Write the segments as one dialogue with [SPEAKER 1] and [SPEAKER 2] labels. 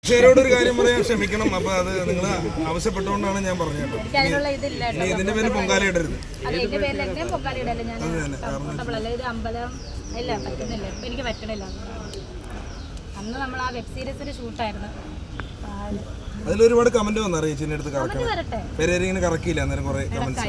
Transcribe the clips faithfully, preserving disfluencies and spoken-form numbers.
[SPEAKER 1] ഷെയറോടൊരു കാര്യം പറയാൻ ക്ഷമിക്കണം. അപ്പൊ അത് നിങ്ങൾ ആവശ്യപ്പെട്ടുകൊണ്ടാണ് ഞാൻ പറഞ്ഞത്. ഇതിന്റെ പേര് പൊങ്കാല ഇടരുത്.
[SPEAKER 2] എനിക്ക് പറ്റണില്ല. അന്ന് നമ്മൾ ആ വെബ് സീരീസിന്റെ ഷൂട്ടായിരുന്നു.
[SPEAKER 1] അതിലൊരുപാട് കമന്റ് വന്നു ചേച്ചിന്റെ അടുത്ത് കറക്കണം. പേരിങ്ങനെ കറക്കിയില്ല അന്നേരം കുറെ കമന്റ്സ്.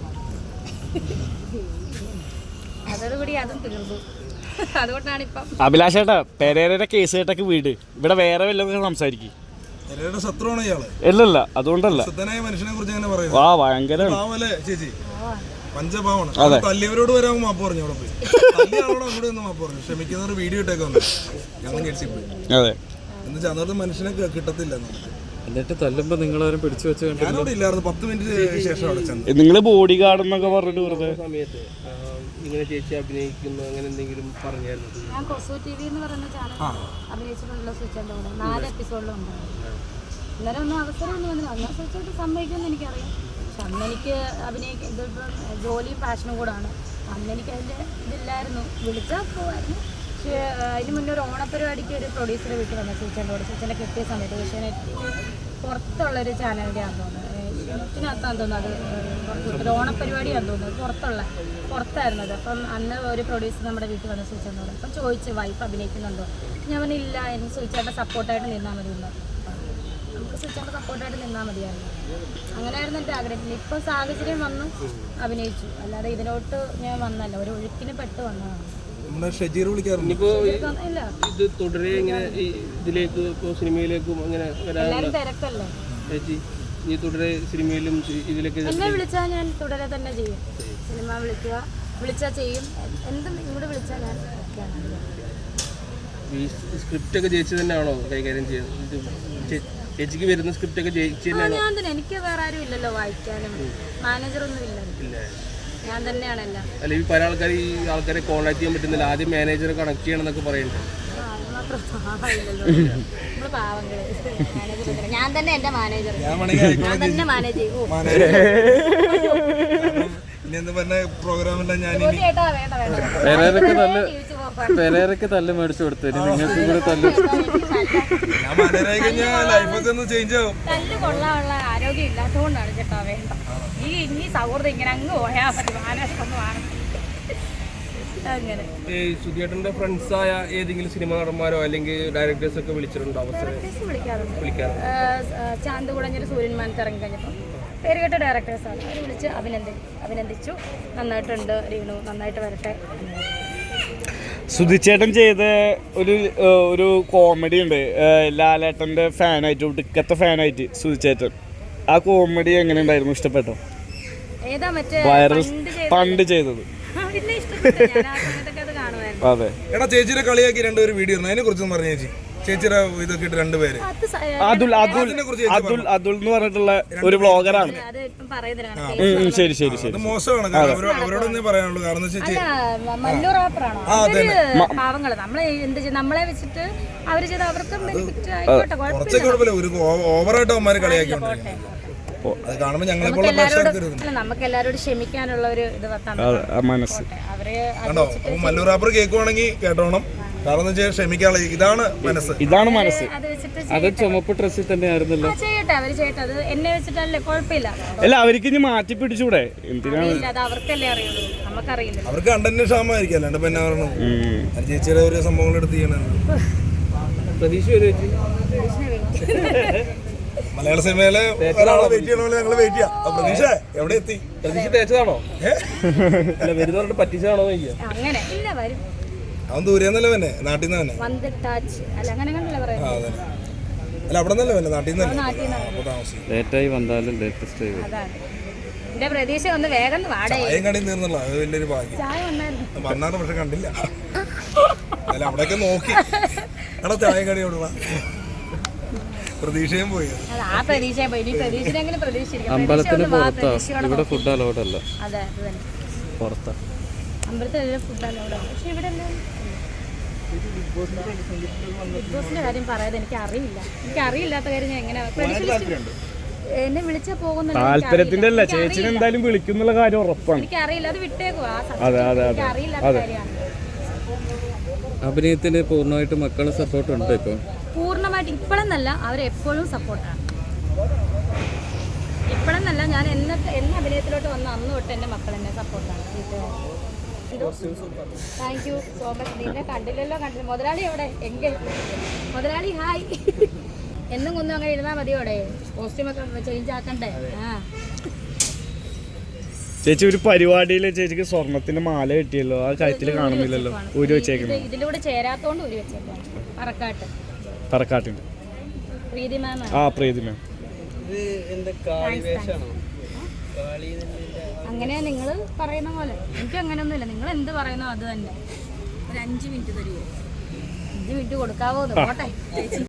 [SPEAKER 2] അതോടുകൂടി അതും തീർന്നു. അതുകൊണ്ടാണ് ഇപ്പം
[SPEAKER 3] അഭിലാഷേട്ടാ പെരേരയുടെ കേസ് കേട്ടൊക്കെ വീട് ഇവിടെ വേറെ വല്ലതും സംസാരിക്കും.
[SPEAKER 1] ശത്രുവാണ് ഇയാള്.
[SPEAKER 3] ഇല്ലല്ല അതുകൊണ്ടല്ല.
[SPEAKER 1] മനുഷ്യനെ കുറിച്ച് അങ്ങനെ പറയും.
[SPEAKER 3] ആ ഭയങ്കര
[SPEAKER 1] ചേച്ചി പഞ്ചഭാവമാണ്. തല്ലിയവരോട് വരാൻ മാപ്പ് പറഞ്ഞു. അവിടെ പോയി തല്ലിയാളോട് അങ്ങോട്ട് ഒന്ന് മാപ്പ് പറഞ്ഞു. ക്ഷമിക്കുന്നവർ വീഡിയോ ഇട്ടേക്ക് വന്നു. ഞങ്ങൾ ഞെട്ടിപ്പോയി.
[SPEAKER 3] അതെ
[SPEAKER 1] എന്ന് ചന്നോട്ട് മനുഷ്യനെ കിട്ടത്തില്ല.
[SPEAKER 4] എന്നിട്ട് തല്ലുമ്പോ നിങ്ങളാരും പിടിച്ചു വെച്ച്
[SPEAKER 1] ഞാനോട് ഇല്ലായിരുന്നു. പത്ത് മിനിറ്റ് ശേഷം അവിടെ ചെന്നു.
[SPEAKER 3] നിങ്ങള് ബോഡി ഗാർഡ് എന്നൊക്കെ പറഞ്ഞിട്ട് വെറുതെ
[SPEAKER 5] സമയത്ത് ഇങ്ങനെ ചേച്ചി അഭിനയിക്കുന്നു അങ്ങനെ എന്തെങ്കിലും പറഞ്ഞായിരുന്നു?
[SPEAKER 2] ഞാൻ കൊസു ടി വി എന്ന് പറയുന്ന ചാനൽ അഭിനയിച്ചിട്ടുള്ള സ്വിച്ചിൻ്റെ കൂടെ നാല് എപ്പിസോഡിലുണ്ട്. അന്നേരം ഒന്നും അവസരം ഒന്നും വന്നില്ല. അന്ന് സ്വിച്ചായിട്ട് സമ്മതിക്കുമെന്ന് എനിക്കറിയാം. പക്ഷെ അന്ന് എനിക്ക് അഭിനയിക്കാൻ ഇതിപ്പം ജോലിയും പാഷനും കൂടാണ്. അന്ന് എനിക്ക് അതിൻ്റെ ഇതില്ലായിരുന്നു. വിളിച്ചാൽ പോവായിരുന്നു. പക്ഷേ അതിന് മുന്നേ ഒരു ഓണപ്പരിപാടിക്ക് ഒരു പ്രൊഡ്യൂസറെ വീട്ടിൽ വന്നു സ്വിച്ചിൻ്റെ കൂടെ. സ്വിച്ചിൻ്റെ കിട്ടിയ സമയത്ത് ഏഷ്യാനെറ്റ് പുറത്തുള്ളൊരു ചാനലിൻ്റെ ആണെന്ന് തോന്നുന്നത്. ഏഷ്യാനെറ്റിനകത്താന്ന് തോന്നുന്നത്. അത് പുറത്ത് ഓണപ്പരിപാടിയാണെന്ന് തോന്നുന്നത്. പുറത്തുള്ള പുറത്തായിരുന്നു അത്. അപ്പം അന്ന് ഒരു പ്രൊഡ്യൂസർ നമ്മുടെ വീട്ടിൽ വന്ന് സ്വിച്ചേട്ടൻ പറഞ്ഞു. അപ്പം ചോദിച്ചു വൈഫ് അഭിനയിക്കുന്നുണ്ടോ? ഞാൻ പറഞ്ഞില്ല, എനിക്ക് സ്വിച്ചേട്ടൻ സപ്പോർട്ടായിട്ട് നിന്നാൽ മതി എന്ന്. നമുക്ക് സ്വിച്ചേട്ടൻ സപ്പോർട്ടായിട്ട് നിന്നാൽ മതിയായിരുന്നു. അങ്ങനെയായിരുന്നു എൻ്റെ ആഗ്രഹം. ഇപ്പം സാഹചര്യം വന്നു അഭിനയിച്ചു. അല്ലാതെ ഇതിലോട്ട് ഞാൻ വന്നല്ല, ഒരു ഒഴുക്കിന് പെട്ട് വന്നതാണ്.
[SPEAKER 5] ഇത് തുടരെ ഇങ്ങനെ ഇതിലേക്ക് സിനിമയിലേക്കും അങ്ങനെ
[SPEAKER 2] എല്ലാവരും തിരക്കല്ലേ
[SPEAKER 5] ചേച്ചി? ഈ തുടരെ സിനിമയിലും ഇതിലേക്ക്
[SPEAKER 2] എന്നെ വിളിച്ചാൽ ഞാൻ തുടരെ തന്നെ ചെയ്യും. സിനിമ വിളിക്കുക, വിളിച്ചാൽ ചെയ്യും. എന്തും ഇങ്ങോട്ട് വിളിച്ചാൽ ഞാൻ
[SPEAKER 5] ഈ സ്ക്രിപ്റ്റ് ഒക്കെ ചേച്ചി തന്നെയാണോ കൈകാര്യം ചെയ്യുന്നത്? ചേച്ചിക്ക് വരുന്ന സ്ക്രിപ്റ്റ് ഒക്കെ ചേച്ചി
[SPEAKER 2] ഞാൻ തന്നെ. എനിക്ക് വേറെ ആരും ഇല്ലല്ലോ വായിക്കാനും. മാനേജറൊന്നും ഇല്ല, ഞാൻ തന്നെയാണല്ലോ.
[SPEAKER 5] അല്ല ഈ പല ആൾക്കാർ ഈ ആൾക്കാരെ കോൺടാക്ട് ചെയ്യാൻ പറ്റുന്നില്ല. ആദ്യം മാനേജറെ കണക്ട് ചെയ്യണം എന്നൊക്കെ പറയുന്നുണ്ട്.
[SPEAKER 2] ഞാൻ തന്നെ എന്റെ മാനേജർ. ഞാൻ തന്നെ മാനേജ് ചെയ്യും.
[SPEAKER 4] പെരേരക്ക് തല്ല് മേടിച്ചു കൊടുത്തു. നിങ്ങൾക്ക് കൂടെ തല്ല്
[SPEAKER 2] തല്ല് കൊള്ളാനുള്ള ആരോഗ്യം ഇല്ലാത്തതുകൊണ്ടാണ് ചേട്ടാ വേണ്ട. ഈ ഇനി സൗഹൃദം ഇങ്ങനെ അങ്ങ് പോയാൽ മതി. മാനേജൊന്നും അങ്ങനെ
[SPEAKER 5] സുധിയേട്ടന്റെ ഫ്രണ്ട്സ് ആയ ഏതെങ്കിലും സിനിമ നടന്മാരോ അല്ലെങ്കിൽ ഡയറക്ടേഴ്സ് ഒക്കെ വിളിച്ചിട്ടുണ്ടോ?
[SPEAKER 2] വിളിക്കാറുണ്ട്. ചാന്ത് കുടഞ്ഞൊരു സൂര്യന്മാനത്ത് ഇറങ്ങി കഴിഞ്ഞപ്പോൾ പേരുകെട്ട ഡയറക്ടേഴ്സാണ്. അവർ വിളിച്ച് അഭിനന്ദി അഭിനന്ദിച്ചു നന്നായിട്ടുണ്ട് രീണു, നന്നായിട്ട് വരട്ടെ.
[SPEAKER 3] സുധിച്ചേട്ടൻ ചെയ്ത ഒരു ഒരു കോമഡി ഉണ്ട്. ലാലേട്ടൻ്റെ ഫാനായിട്ട് ഒടുക്കത്തെ ഫാനായിട്ട് സുധിച്ചേട്ടൻ. ആ കോമഡി എങ്ങനെ ഉണ്ടായിരുന്നു? ഇഷ്ടപ്പെട്ടോ?
[SPEAKER 2] ഏതാ മറ്റേ
[SPEAKER 3] വൈറൽ പണ്ട് ചെയ്തത്?
[SPEAKER 1] അതെ. എടാ ചേച്ചിയുടെ കളിയാക്കി രണ്ടുപേരും വീഡിയോ അതിനെ കുറിച്ചൊന്നും പറഞ്ഞു ചേച്ചി. ചേച്ചിയുടെ ഇതൊക്കെ ഇട്ട് രണ്ടുപേര്
[SPEAKER 3] അതുൽ അതുൽ അതുൽ അതുൽ എന്ന് പറഞ്ഞിട്ടുള്ള ഒരു വ്ളോഗറാണ്. ശരി ശരി ശരി.
[SPEAKER 1] മോശമാണ്. അവരോടൊന്നേ പറയാനുള്ളൂ. കാരണം ചേച്ചി
[SPEAKER 2] മല്ലു റാപ്പറാണോ? പാവങ്ങള് നമ്മളെ എന്ത് നമ്മളെ വെച്ചിട്ട് അവര് ചെയ്ത് അവർക്കും ബെനിഫിറ്റ് ആയിക്കോട്ടെ,
[SPEAKER 1] കുഴപ്പമില്ല. ഒരു ഓവറായിട്ട് അവന്മാര് കളിയാക്കിയോണ്ട് അത് കാണുമ്പോൾ ഞങ്ങളെ
[SPEAKER 2] നമുക്ക് എല്ലാവരോടും ക്ഷമിക്കാനുള്ള ഒരു ഇത്
[SPEAKER 3] മനസ്സ്.
[SPEAKER 1] കണ്ടോ? അപ്പൊ മല്ലു റാപ്പർ കേൾക്കുവാണെങ്കിൽ കേട്ടോണം. കാരണം എന്ന് വെച്ചാൽ ക്ഷമിക്കാനുള്ള ഇതാണ് മനസ്സ്.
[SPEAKER 3] ഇതാണ് മനസ്സ്.
[SPEAKER 4] അത് ചുമപ്പ് ഡ്രസ്സിൽ തന്നെ ആയിരുന്നല്ലോ.
[SPEAKER 2] ചെയ്യട്ടെ, അവര് ചെയ്യട്ടെ. അത് എന്നെ വെച്ചിട്ടല്ലേ, കുഴപ്പമില്ല.
[SPEAKER 3] അല്ല അവർക്ക് ഇനി മാറ്റി പിടിച്ചൂടെ? എന്തിനാണ്?
[SPEAKER 2] അത് അവർക്കല്ലേ അറിയുള്ളൂ, നമുക്കറിയില്ല.
[SPEAKER 1] അവർക്ക് കണ്ടന്റ് ക്ഷാമമായിരിക്കും. അല്ലാണ്ട് പിന്നെ പറഞ്ഞു ചേച്ചിയുടെ ഒരു സംഭവങ്ങൾ എടുത്ത് ചെയ്യണം.
[SPEAKER 5] പ്രതീക്ഷ
[SPEAKER 1] മലയാള സിനിമയിലെ ഒരാളെ വെയിറ്റ് ചെയ്യണമല്ലോ ഞങ്ങൾ വെയിറ്റ് ചെയ്യാം. പ്രതീക്ഷ എവിടെ എത്തി?
[SPEAKER 5] പ്രതീക്ഷ തേച്ചതാണോ? അല്ല വരുന്നവരുടെ പറ്റിച്ചതാണോ?
[SPEAKER 2] അങ്ങനെ ഇല്ല, വരും.
[SPEAKER 1] അവൻ ദൂരെന്നല്ലേ തന്നെ, നാട്ടിൽ നിന്ന് തന്നെ. അല്ല അവിടെ നിന്നല്ലേ തന്നെ, നാട്ടിൽ നിന്ന്
[SPEAKER 4] ലേറ്റായി വന്നാലും ലേറ്റസ്റ്റ് ആയി.
[SPEAKER 2] പ്രതീക്ഷ ഒന്ന് വേഗം
[SPEAKER 1] ചായം കടയിൽ തീർന്നല്ലോ. അത് വലിയൊരു ഭാഗ്യം. വന്നാണ് പക്ഷെ കണ്ടില്ല. അല്ല അവിടെയൊക്കെ നോക്കി എടാ ചായം കടി എവിടെ പ്രതീക്ഷയും പോയി.
[SPEAKER 4] അമ്പലത്തിന് പുറത്താ, ഇവിടെ ഫുഡ് അലൗഡ് അല്ല. പുറത്താ
[SPEAKER 2] അമ്പലത്തിലെ ഫുഡ് അലൗഡ്. പക്ഷെ ഇവിടെ ബിഗ് ബോസിന്റെ കാര്യം പറയാതെ എനിക്ക് അറിയില്ല. എനിക്ക് അറിയില്ലാത്ത കാര്യം ഞാൻ എങ്ങനെ എന്നെ വിളിച്ചാൽ പോകുന്ന
[SPEAKER 3] താല്പര്യത്തിന്റെ അല്ല, ചേച്ചിനെ എന്തായാലും വിളിക്കുന്നുള്ള കാര്യം ഉറപ്പാണ്.
[SPEAKER 2] എനിക്ക് അറിയില്ല, അത് വിട്ടേക്കുവാ.
[SPEAKER 4] അഭിനയത്തിന് പൂർണ്ണമായിട്ട് മക്കളുടെ സപ്പോർട്ട് ഉണ്ട് ഇപ്പൊ?
[SPEAKER 2] പൂർണ്ണമായിട്ട് സ്ഥിരമായിട്ട് ഇപ്പോഴെന്നല്ല അവരെപ്പോഴും സപ്പോർട്ടാണ്. ഇപ്പോഴെന്നല്ല, ഞാൻ എന്ന എന്ന അഭിനയത്തിലോട്ട് വന്ന അന്ന് തൊട്ട് എൻ്റെ മക്കൾ എന്നെ സപ്പോർട്ടാണ്. Thank you so much. നിന്നെ കണ്ടില്ലല്ലോ, കണ്ടില്ല. മുതലാളി എവിടെ? എങ്കിൽ മുതലാളി ഹായ്. എന്നും കൊന്നും അങ്ങനെ ഇരുന്നാൽ മതിയോടെ, കോസ്റ്റ്യൂമൊക്കെ ചേഞ്ച് ആക്കണ്ടേ? ആ
[SPEAKER 3] ചേച്ചി ഒരു പരിപാടിയിൽ ചേച്ചിക്ക് സ്വർണത്തിന്റെ മാല കിട്ടിയല്ലോ, ആ കഴുത്തിൽ കാണുന്നില്ലല്ലോ, ഊരി വെച്ചേക്കുന്നത്.
[SPEAKER 2] ഇതിലൂടെ ചേരാത്തോണ്ട് ഊരി വെച്ചേക്കാണ്. പറക്കാട്ട്
[SPEAKER 3] പറക്കാട്ടിന്റെ
[SPEAKER 2] പ്രീതി മാം.
[SPEAKER 3] ആ പ്രീതി മാം.
[SPEAKER 2] അങ്ങനെ നിങ്ങൾ പറയുന്ന പോലെ എനിക്ക് അങ്ങനെയൊന്നുമില്ല. നിങ്ങൾ എന്ത് പറയുന്നോ അത് തന്നെ. ഒരു അഞ്ച് മിനിറ്റ് തരുമോ? അഞ്ച് മിനിറ്റ് കൊടുക്കാവോ? പോട്ടെ ചേച്ചി.